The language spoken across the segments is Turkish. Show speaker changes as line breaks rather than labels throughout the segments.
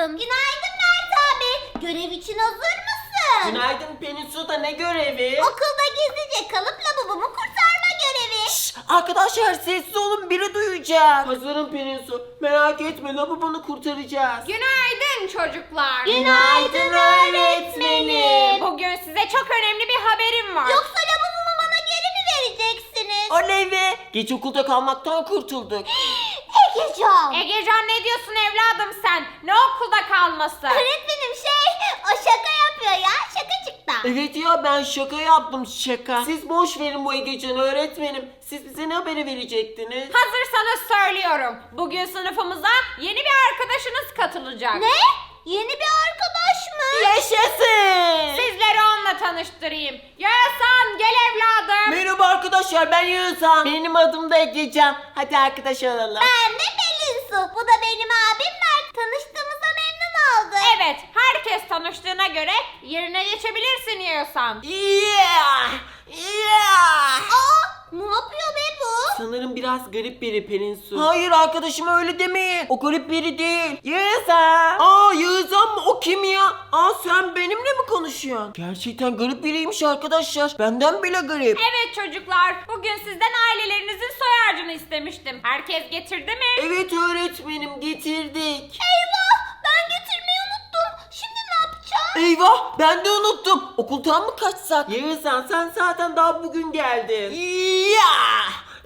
lazım. Günaydın Mert abi. Görev için hazır mısın?
Günaydın Pelinsu, da ne görevi?
Okulda gizlice kalıp lavabomu kurtarma görevi.
Şşş, arkadaşlar sessiz olun, biri duyacak. Hazırım Pelinsu, merak etme, lavabonu kurtaracağız.
Günaydın çocuklar.
Günaydın öğretmenim.
Bugün size çok önemli bir haberim var.
Yoksa lavabomu bana geri mi vereceksiniz?
Oley be, geç okulda kalmaktan kurtulduk.
Egecan.
Egecan, ne diyorsun evladım sen? Ne okulda kalması?
Öğretmenim o şaka yapıyor ya. Şakacıktan.
Evet ya, ben şaka yaptım, şaka. Siz boş verin bu Egecan'ı öğretmenim. Siz bize ne haberi verecektiniz?
Hazırsanız söylüyorum. Bugün sınıfımıza yeni bir arkadaşınız katılacak.
Ne? Yeni bir arkadaş mı?
Yaşasın!
Sizleri onunla tanıştırayım. Yağızhan, gel evladım.
Merhaba arkadaşlar, ben Yağızhan. Benim adım da Egecan. Hadi arkadaş olalım.
Ben de Pelinsu. Bu da benim abim Mert. Tanıştığımıza memnun oldum.
Evet, herkes tanıştığına göre yerine geçebilirsin Yağızhan.
Yeah! Yeah!
Aa, ne yapıyor be bu?
Sanırım biraz garip biri Pelinsu. Hayır arkadaşım, öyle demeyin. O garip biri değil. Yağızhan. Aa, Yağızhan mı? O kim ya? Aa, sen benimle mi konuşuyorsun? Gerçekten garip biriymiş arkadaşlar. Benden bile garip.
Evet çocuklar, bugün sizden ailelerinizin soy harcını istemiştim. Herkes getirdi mi?
Evet öğretmenim, getirdik.
Eyvah, ben getirmeyi unuttum. Şimdi ne yapacağım?
Eyvah, ben de unuttum. Okuldan mı kaçsak? Yağızhan, sen zaten daha bugün geldin. Ya!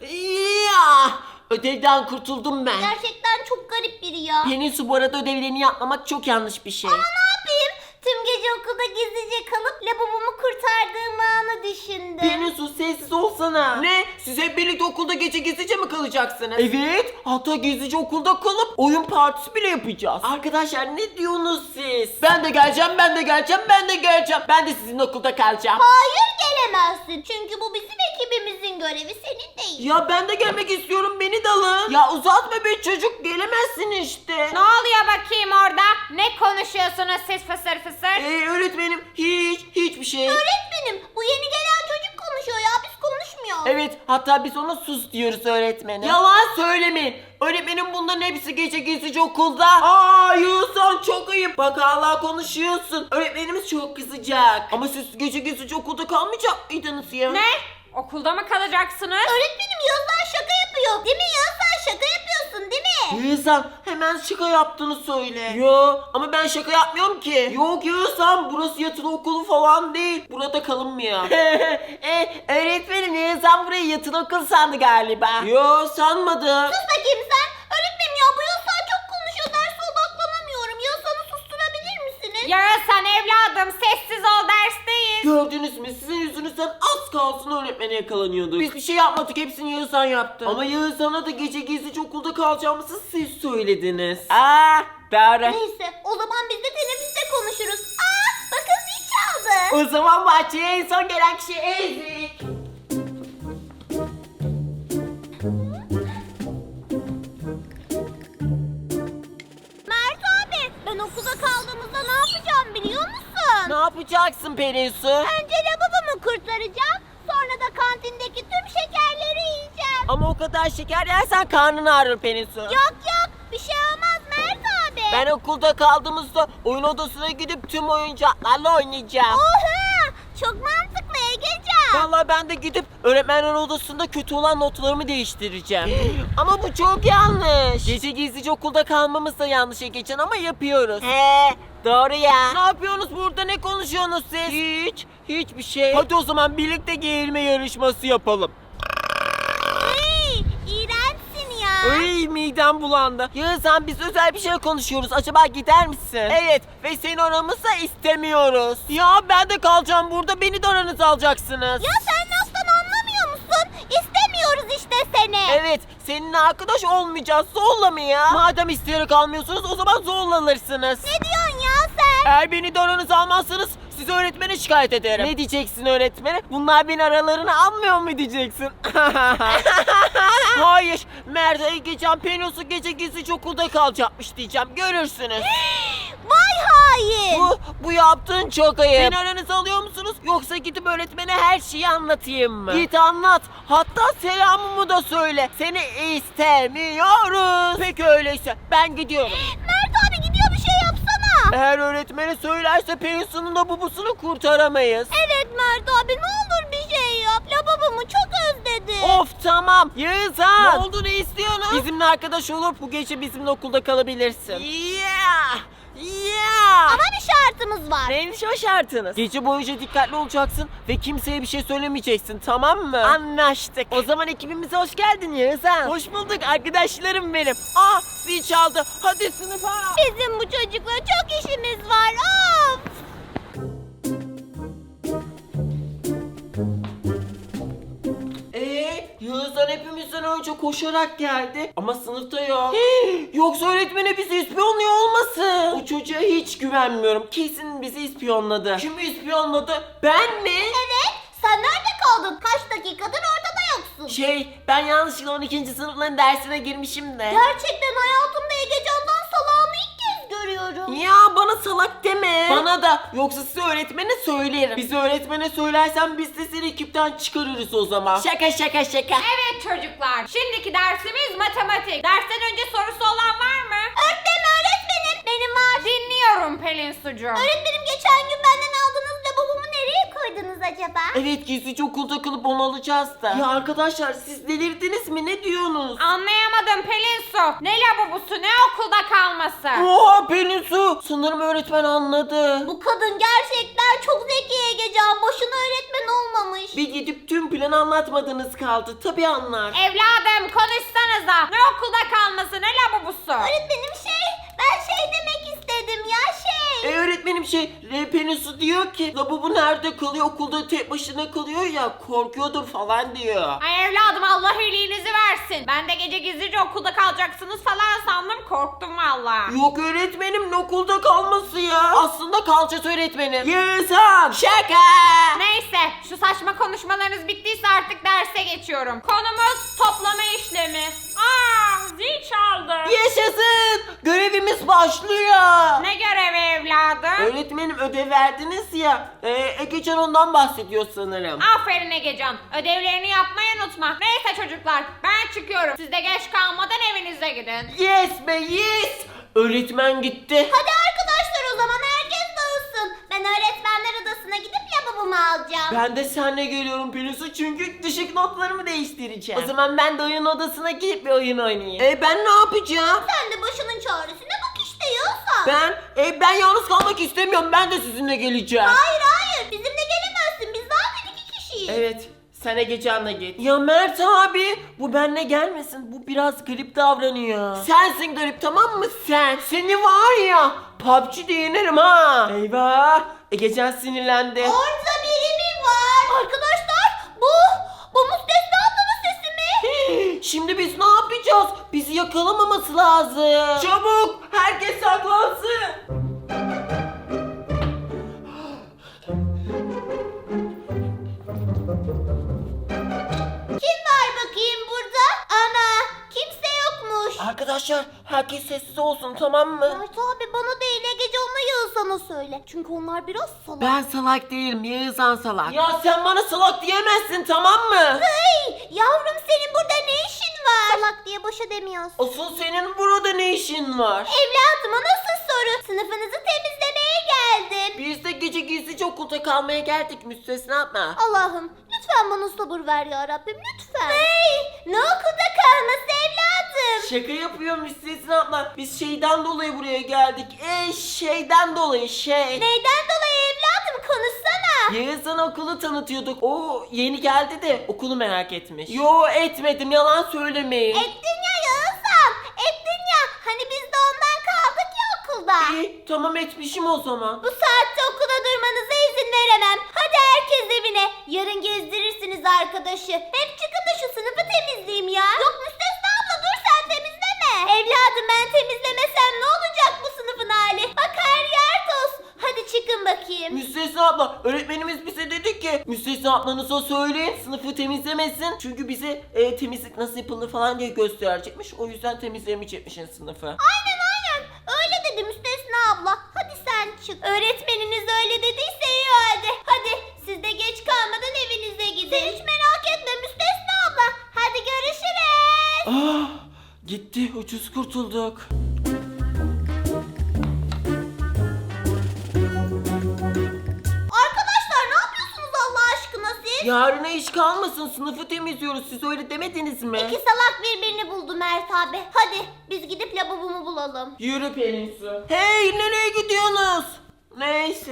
Ya! Ödevden kurtuldum ben.
Gerçekten çok garip biri ya.
Pelinsu, bu arada ödevlerini yapmamak çok yanlış bir şey.
Ama ne yapayım? Tüm gece okulda gizlice kalıp lavabomu kurtardığım anı düşündüm.
Pelinsu, sessiz olsana. Ne? Siz hep birlikte okulda gece gizlice mi kalacaksınız? Evet. Hatta gizlice okulda kalıp oyun partisi bile yapacağız. Arkadaşlar, ne diyorsunuz siz? Ben de geleceğim, ben de geleceğim, ben de geleceğim. Ben de sizin okulda kalacağım.
Hayır, gelemezsin. Çünkü bu bizim ekibimizin görevi, senin değil.
Ya ben de gelmek istiyorum, beni de alın. Ya uzatma be çocuk, gelemezsin işte.
Ne oluyor bakayım orada? Ne konuşuyorsunuz siz fısır fısır?
Öğretmenim, hiçbir şey.
Öğretmenim, bu yeni gelen çocuk konuşuyor ya, biz konuşmuyoruz.
Evet, hatta biz ona sus diyoruz öğretmenim. Yalan söylemeyin. Öğretmenim, bunların hepsi gece gizlice okulda. Aa, Yağızhan, çok ayıp. Bak hala konuşuyorsun. Öğretmenimiz çok kızacak. Ama siz gece gizlice okulda kalmayacak mıydınız ya?
Ne? Okulda mı kalacaksınız?
Öğretmenim, Yağızhan şaka yapıyor. Değil mi Yağızhan, şaka yapıyorsun değil mi?
Yağızhan, hemen şaka yaptığını söyle. Yo, ama ben şaka yapmıyorum ki. Yok Yağızhan, burası yatılı okulu falan değil. Burada kalınmıyor. Öğretmenim, Yağızhan burayı yatılı okul sandı galiba. Yo, sanmadım.
Sus bakayım sen. Öğretmenim ya, bu Yağızhan çok konuşuyor. Derse odaklanamıyorum. Yağızhan'ı susturabilir misiniz?
Yağızhan evladım, sessiz ol, dersteyiz.
Gördünüz mü? Sizin yüzünüzden az kalsın öğretmene yakalanıyorduk. Biz bir şey yapmadık. Hepsini Yağızhan yaptı. Ama Yağızhan'a da gece gizlice okulda kalacağımızı siz söylediniz. Aa, doğru.
Neyse, o zaman biz de teneffüste konuşuruz. Aa, bakın zil çaldı.
O zaman bahçeye en son gelen kişi Ezik.
Mert abi, ben okulda kaldığımızda ne yapacağım biliyor musun?
Ne yapacaksın Pelinsu?
Önce lavabomu kurtaracağım. Sonra da kantindeki tüm şekerleri yiyeceğim.
Ama o kadar şeker yersen karnın ağrır Pelinsu.
Yok, bir şey olmaz Mert abi.
Ben okulda kaldığımızda oyun odasına gidip tüm oyuncaklarla oynayacağım.
Oha, çok mantıklı Egecan.
Vallahi ben de gidip öğretmenler odasında kötü olan notlarımı değiştireceğim. Ama bu çok yanlış. Gece gizlice okulda kalmamız da yanlış Egecan, ama yapıyoruz. Doğru ya. Ne yapıyorsunuz burada, ne konuşuyorsunuz siz? Hiçbir şey. Hadi o zaman birlikte geğirme yarışması yapalım.
Hey, iğrençsin ya.
Ay, midem bulandı. Yağızhan, biz özel bir şey konuşuyoruz. Acaba gider misin? Evet, ve seni aramızda istemiyoruz. Ya ben de kalacağım burada. Beni de aranıza alacaksınız.
Ya sen laftan anlamıyor musun? İstemiyoruz işte seni.
Evet, seninle arkadaş olmayacağız. Zorla mı ya? Madem isteyerek almıyorsunuz, o zaman zorlanırsınız.
Ne diyorsun ya sen?
Eğer beni de aranıza almazsanız sizi öğretmene şikayet ederim. Ne diyeceksin öğretmene? Bunlar beni aralarına almıyor mu diyeceksin? Hayır, Mert, Egecan, Pelinsu gece gizlice okulda kalacakmış diyeceğim. Görürsünüz.
Vay hain.
Bu yaptığın çok ayıp. Beni aranıza alıyor musunuz? Yoksa gidip öğretmene her şeyi anlatayım mı? Git anlat. Hatta selamımı da söyle. Seni istemiyoruz. Peki öyleyse ben gidiyorum.
Mert abi gidiyor, bir şey yapsana.
Eğer öğretmene söylerse Pelinsu'nun labubusunu kurtaramayız.
Evet Mert abi, ne olur bir şey yap. Lavabomu çok özledim.
Of tamam. Yağızhan. Ne oldu, ne istiyorsun? Bizimle arkadaş olup bu gece bizimle okulda kalabilirsin. Yeah.
Ama bir şartımız var.
Neymiş o şartınız? Gece boyunca dikkatli olacaksın ve kimseye bir şey söylemeyeceksin, tamam mı? Anlaştık. O zaman ekibimize hoş geldin Yağızhan. Hoş bulduk arkadaşlarım benim. Zil çaldı. Hadi sınıfa.
Bizim bu çocukla çok işimiz var. Of!
Yağızhan hepimizden önce koşarak geldi ama sınıfta yok. Yoksa öğretmene bizi ispiyonluyor olmasın? O çocuğa hiç güvenmiyorum. Kesin bizi ispiyonladı. Kim ispiyonladı? Ben mi?
Evet, sen nerede kaldın? Kaç dakikadır ortada yoksun.
Ben yanlışlıkla 12. sınıfların dersine girmişim de.
Gerçekten hayatımda Egecan'dan salağını ilk kez görüyorum.
Ya bana salak deme. Bana da. Yoksa size öğretmene söylerim. Bizi öğretmene söylersen biz de seni ekipten çıkarırız o zaman. Şaka.
Evet çocuklar, şimdiki dersimiz matematik. Dersten önce sorusu olan var mı?
Öğretmenim, benim var.
Dinliyorum Pelin Sucu.
Öğretmenim, geçen gün benden aldığınız lavabomu nereye koydunuz acaba?
Evet, gizlice okulda kalıp onu alacağız da. Ya arkadaşlar, siz delirdiniz mi? Ne diyorsunuz?
Anlayamadım Pelin Su. Ne lavabosu, ne okulda kalması.
Oha Pelinsu! Sanırım öğretmen anladı.
Bu kadın gerçekten çok zeki Egecan. Boşuna öğretmen olmamış.
Bir gidip tüm planı anlatmadınız kaldı. Tabii anlar.
Evladım konuşsanıza. Ne okulda kalması, ne lavabosu.
Öğretmenim ben demek istedim ya
Öğretmenim Pelinsu diyor ki lavabo nerede kalıyor, okulda tek başına kalıyor ya, korkuyordur falan diyor.
Ay evladım, Allah iyiliğinizi versin. Ben de gece gizlice okulda kalacaksınız falan sandım, korktum valla.
Yok öğretmenim, ne okulda kalması ya. Aslında kalacağız öğretmenim. Yağızhan. Şaka.
Neyse, şu saçma konuşmalarınız bittiyse artık derse geçiyorum. Konumuz toplama işlemi. Zil çaldı.
Yaşasın. Görevimiz başlıyor.
Ne görevi evladım?
Öğretmenim, ödev verdiniz ya. Egecan ondan bahsediyor sanırım.
Aferin Egecan. Ödevlerini yapmayı unutma. Neyse çocuklar, ben çıkıyorum. Siz de geç kalmadan evinize gidin.
Yes be yes. Öğretmen gitti.
Hadi arkadaşlar, o zaman herkes dağılsın. Ben öğretmenler odasına gidip lavabomu alacağım.
Ben de seninle geliyorum Pelinsu, çünkü düşük notlarımı değiştireceğim. O zaman ben de oyun odasına gidip bir oyun oynayayım. Ben ne yapacağım?
Sen de başının çaresine bak işte Yağızhan.
Ben yalnız kalmak istemiyorum. Ben de sizinle geleceğim.
Hayır, bizimle gelemezsin. Biz zaten 2 kişiyiz.
Evet. Sen Egecan'la git. Ya Mert abi, bu benle gelmesin. Bu biraz garip davranıyor. Sensin garip, tamam mı sen? Seni var ya, PUBG'de yenerim ha. Eyvah. Egecan sinirlendi.
Orada biri mi var? Arkadaşlar, bu Müstesna ablanın sesi mi?
Şimdi biz ne yapacağız? Bizi yakalamaması lazım. Çabuk, herkes saklansın.
Kim var bakayım burada? Ana, kimse yokmuş.
Arkadaşlar, herkes sessiz olsun, tamam mı?
Mert abi, bana değil Egecan'la Yağızhan'a söyle. Çünkü onlar biraz salak.
Ben salak değilim, Yağızhan salak. Ya sen bana salak diyemezsin, tamam mı?
Hey, yavrum, senin burada ne işin var? Salak diye boşa demiyorsun.
Asıl senin burada ne işin var?
Evladım, o nasıl soru? Sınıfınızı temizlemeye geldim.
Biz de gece gizlice okulda kalmaya geldik, müstesna yapma.
Allah'ım, lütfen bana sabır ver ya Rabbim, lütfen. Hey, ne okulda kalması evladım?
Şaka yapıyor müstesna yapma. Biz şeyden dolayı buraya geldik. Şeyden dolayı
Neyden dolayı evladım, konuşsana.
Yağızhan okulu tanıtıyorduk. O yeni geldi de okulu merak etmiş. Yo, etmedim, yalan söylemeyin.
Ettin ya Yağızhan, ettin ya. Hani biz de ondan kaldık ya okulda.
Tamam, etmişim o zaman.
Bu saatte okulda durmanıza izin veremem. Hadi herkes evine. Yarın gezdirirsiniz arkadaşı. Hep çıkın da şu sınıfı temizleyeyim ya. Yok Müstesna abla, dur sen temizleme. Evladım, ben temizlemesem ne olacak bu sınıfın hali? Bak, her yer toz. Hadi çıkın bakayım.
Müstesna abla, öğretmenimiz bize dedi ki Müstesna ablanıza söyleyin sınıfı temizlemesin. Çünkü bize temizlik nasıl yapılır falan diye gösterecekmiş. O yüzden temizlemeyecekmişin sınıfı.
Aynen. Öyle dedi Müstesna abla. Hadi sen çık. Öğretmeniniz öyle dediyse iyi hadi. Hadi siz de geç kalmadan evinize gidin. Sen hiç merak etme Müstesna abla. Hadi görüşürüz.
Gitti, ucuz kurtulduk. Yarına iş kalmasın, sınıfı temizliyoruz. Siz öyle demediniz mi?
İki salak birbirini buldu Mert abi. Hadi biz gidip lavabomu bulalım.
Yürü Pelin Su. Hey, nereye gidiyorsunuz? Neyse.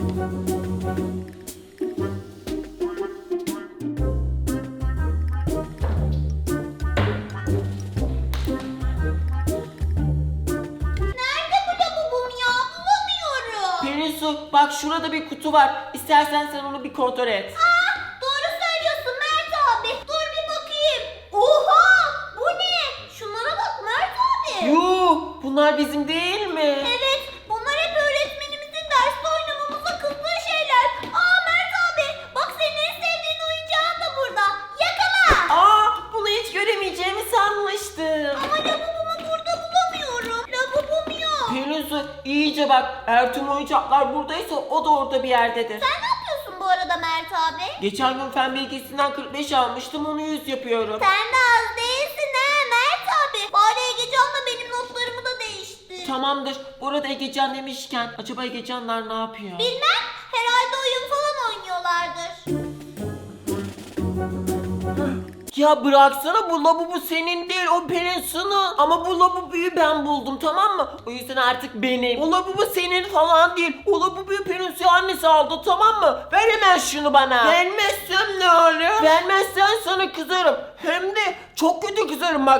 Nerede bu lavabom ya? Bulamıyorum.
Pelin Su, bak şurada bir kutu var. İstersen sen onu bir kontrol et.
Doğru söylüyorsun Mert abi. Dur bir bakayım. Oha! Bu ne? Şunlara bak Mert abi.
Yuh, bunlar bizim değil mi?
Evet, bunlar hep öğretmenimizin derste oynamamıza kızdığı şeyler. Aa Mert abi, bak senin en sevdiğin oyuncağın da burada. Yakala.
Aa, bunu hiç göremeyeceğimi sanmıştım.
Ama lavabomu burada bulamıyorum. Lavabom yok.
Pelin Su, iyice bak. Eğer tüm oyuncaklar buradaysa o da orada bir yerdedir.
Sen ne yapıyorsun bu arada Mert abi?
Geçen gün fen bilgisinden 45 almıştım, onu 100 yapıyorum.
Sen de az değilsin ha Mert abi. Bari Egecan'la benim notlarımı da değiştir.
Tamamdır. Bu arada Egecan demişken acaba Egecanlar ne yapıyor?
Bilmem, herhalde oyun falan oynuyorlardır.
Ya bıraksana, bu lavabo senin değil, o Pelin Su'nun. Ama bu lavaboyu ben buldum, tamam mı? O yüzden artık benim. O lavabo senin falan değil. O lavaboyu Pelin Su annesi aldı, tamam mı? Ver hemen şunu bana. Vermezsem ne olur? Vermezsen sana kızarım. Hem de çok kötü kızarım bak.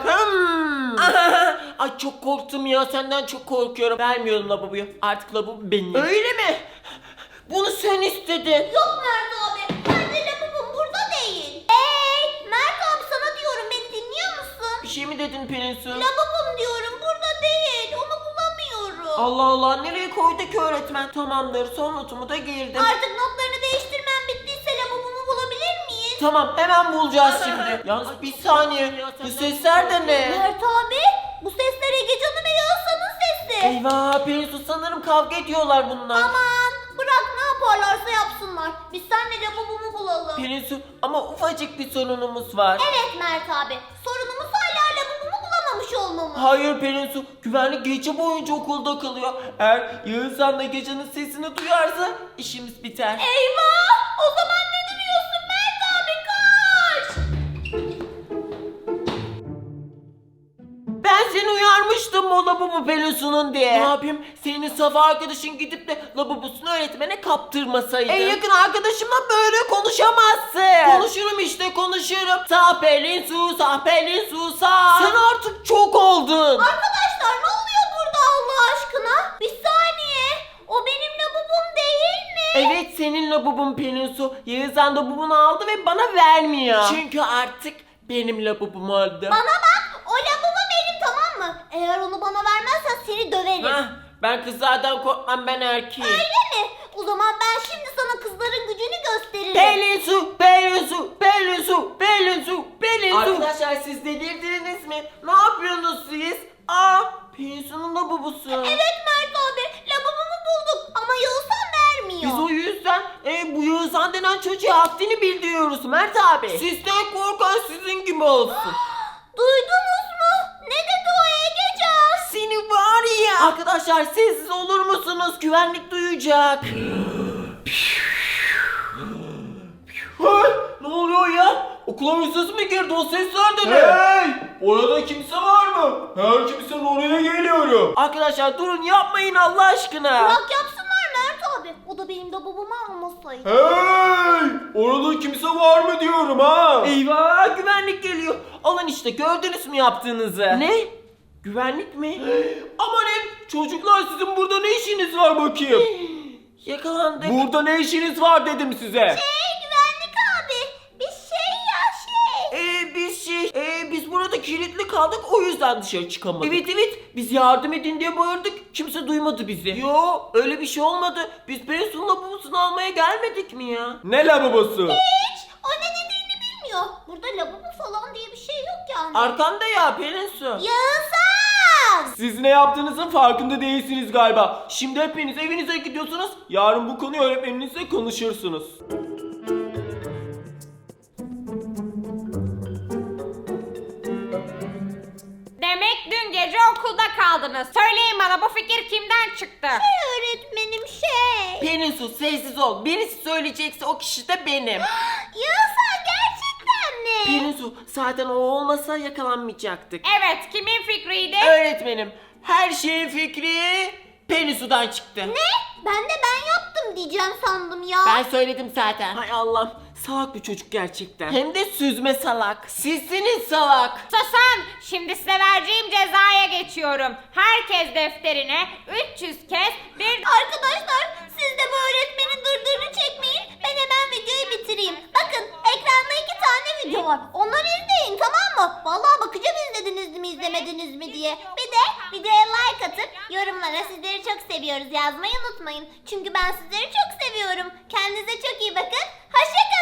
Ay çok korktum ya, senden çok korkuyorum. Vermiyorum lavaboyu. Artık lavabo benim. Öyle mi? Bunu sen istedin.
Yok Mert abi, bence lavabom burada değil. Hey Mert abi, sana diyorum, beni dinliyor musun?
Bir şey mi dedin Pelin Su?
Lavabom diyorum, burada değil, onu bulamıyorum.
Allah Allah, nereye koydu ki öğretmen? Tamamdır, son notumu da girdim.
Artık notlarını değiştirmem bittiyse lavabomu bulabilir miyiz?
Tamam, hemen bulacağız şimdi. Yalnız bir saniye, bu sesler de ne?
Mert abi, bu sesler Egecan'ın ve Yağızhan'ın sesi.
Eyvah Pelin Su, sanırım kavga ediyorlar bunlar.
Aman bırak, ne yaparlarsa yapsınlar. Biz seninle lavabomu bulalım.
Pelin Su, ama ufacık bir sorunumuz var.
Evet Mert abi, sorunumuz hala lavabomu bulamamış olmamız.
Hayır Pelin Su, güvenlik gece boyunca okulda kalıyor. Eğer Yağızhan da gecenin sesini duyarsa işimiz biter.
Eyvah! O zaman ne duruyorsun Mert abi, koş!
Ben seni uyarmıştım o lavabo Pelin Su'nun diye. Ne yapayım? Senin saf arkadaşın gidip de lavabosunu öğretmene kaptırmasaydı. En yakın arkadaşımla böyle konuşamazsın. Konuşurum işte, konuşurum. Sağ Pelin Su, sağ Pelin Su, sağ. Sen artık çok oldun.
Arkadaşlar ne oluyor burada Allah aşkına? Bir saniye. O benim lavabom değil mi?
Evet, senin lavabon Pelin Su. Yağızhan lavabonu aldı ve bana vermiyor. Çünkü artık benim lavabom oldu.
Bana bak, o lavabo benim, tamam mı? Eğer onu bana vermezsen seni döverim.
Hah, ben kızlardan korkmam, ben erkeğim.
Öyle mi? O zaman ben şimdi sana kızların gücünü gösteririm.
Pelin Su, Pelin Su, Pelin Su, Pelin Su, Pelin Su. Arkadaşlar siz delirdiniz mi? Ne yapıyorsunuz siz? Aa, Pelin Su'nun lavabosu.
Evet Mert abi, lavabomu bulduk ama Yağızhan vermiyor.
Biz o yüzden bu Yağızhan denen çocuğa haddini bildiriyoruz Mert abi. Sizden korkan sizin gibi olsun.
Duydunuz mu? Ne dedi o Egecan?
Seni var ya. Arkadaşlar sessiz olur musunuz? Güvenlik duyacak. Hey, ne oluyor ya? Okula hırsız mı girdi? O sesler de ne?
Hey! Orada kimse var mı? Her kimsenin oraya geliyorum.
Arkadaşlar durun, yapmayın Allah aşkına.
Bırak yapsınlar Mert abi. O da benim lavabomu almasaydı.
Hey! Orada kimse var mı diyorum ha?
Eyvah, güvenlik geliyor. Alın işte, gördünüz mü yaptığınızı? Ne? Güvenlik mi?
Amanin! Çocuklar, sizin burada ne işiniz var bakayım?
Yakalandık.
Burada ne işiniz var dedim size.
Güvenlik abi. Bir şey ya
Biz burada kilitli kaldık, o yüzden dışarı çıkamadık. Evet, biz yardım edin diye bağırdık, kimse duymadı bizi. Yo, öyle bir şey olmadı. Biz Pelin Su'nun lavabosunu almaya gelmedik mi ya?
Ne lavabosu?
Hiç. O ne dediğini bilmiyor. Burada lavabo falan diye bir şey yok yani.
Arkanda ya Pelin Su.
Yağızhan!
Siz ne yaptığınızın farkında değilsiniz galiba. Şimdi hepiniz evinize gidiyorsunuz. Yarın bu konuyu öğretmeninizle konuşursunuz.
Demek dün gece okulda kaldınız. Söyleyin bana, bu fikir kimden çıktı?
Öğretmenim şey.
Pelin Su sessiz ol. Birisi söyleyecekse o kişi de benim.
Ya sen gerçekten mi?
Pelin Su zaten o olmasa yakalanmayacaktık.
Evet, kimin fikriydi?
Öğretmenim her şeyin fikri Pelin Su'dan çıktı.
Ne? Ben yaptım diyeceğim sandım ya.
Ben söyledim zaten. Hay Allah'ım salak bir çocuk gerçekten. Hem de süzme salak. Sizsiniz salak.
Susun! Şimdi size vereceğim cezaya geçiyorum. Herkes defterine 300 kez bir...
Arkadaşlar siz de bu öğretmenin dırdırını çekmeyin. Ben hemen videoyu bitireyim. Bakın ekranda 2 tane video var. Onları izleyin tamam mı? Vallahi bakacağım izlediniz mi izlemediniz mi diye. Bir de videoya like atıp yorumlara sizleri çok seviyoruz yazmayı unutmayın. Çünkü ben sizleri çok seviyorum. Kendinize çok iyi bakın. Hoşça kalın.